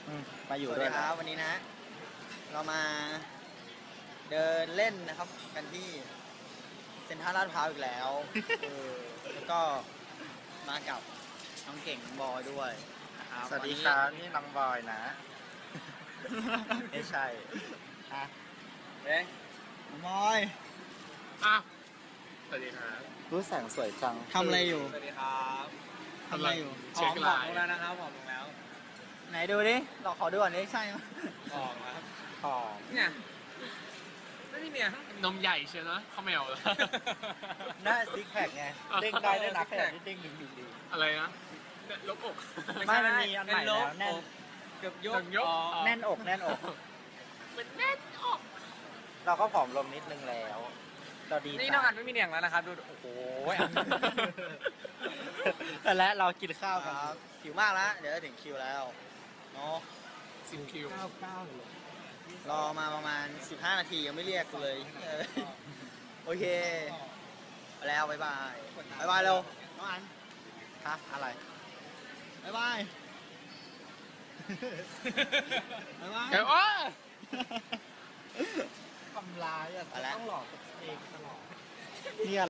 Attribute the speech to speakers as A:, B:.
A: มาอยู่
B: สวัส
A: ด้ว
B: ดี
A: ย
B: ครับวันนี้นะ เรามาเดินเล่นนะครับกันที่เซ็นทรัลลาดพร้าวอีกแล้วแล้วก็มากับน้องเก่งน้องบอยด้วยนะครับ
A: สวัสดีครับนี่น้องบอยนะ ไม่ใช่ฮะ
B: เอ๊ะน้องบอย
C: อ้าวสวัสดีครับ
A: รู้แสงสวยจัง
B: ทำอะไรอยู่
C: สวัสดีครับ
B: ทำอะไรอยู่
C: เช็คไลน์
B: ผอมลงแล้วนะครับผอมลงแล้ว ไหนดูดิเราขอดูก่อนดิใช่ไหม
C: ออกแล้วครับ
A: หอม
C: เนี่ยนี่เนี่ยนมใหญ่เชียวนะข้าวแมวเหรอ
A: หน้าซิกแพคไง เด้งได้ด้วยนะแค่นี้เด้งดึงดี
C: อะไรนะเนี่ยลบอก
A: ไม่มันมีอันใหม่แล้วแน่น
B: เกือบยก
C: ถึงยก
A: แน่นอกแน่นอก
C: เป็นแน่นออก
A: เราก็ผอมลงนิดนึงแล้ว เราดี
C: นี่
A: ใจ
C: น้องอันไม่มีเหนียงแล้วนะครับดูโอ้โหอัน
A: และเรากินข้าว
B: ค
A: กัน
B: รับหิวมากแล้วเดี๋ยวจะถึงคิวแล้วเนาะ
C: สิบคิว
A: 9เลย
B: รอมาประมาณ15 นาทียังไม่เรียกกูเลยโอเคไปแล้วบ๊ายบายบ๊ายบายเร็วน้องอัน
A: ฮะอะไร
B: บ๊ายบายบ๊ายบาย
C: เดี๋ยวอ้อ
A: ทำร้ายอ่ะ
B: ไปแล้ว
A: ต้องหลอกตัวเองตลอดเนี่ย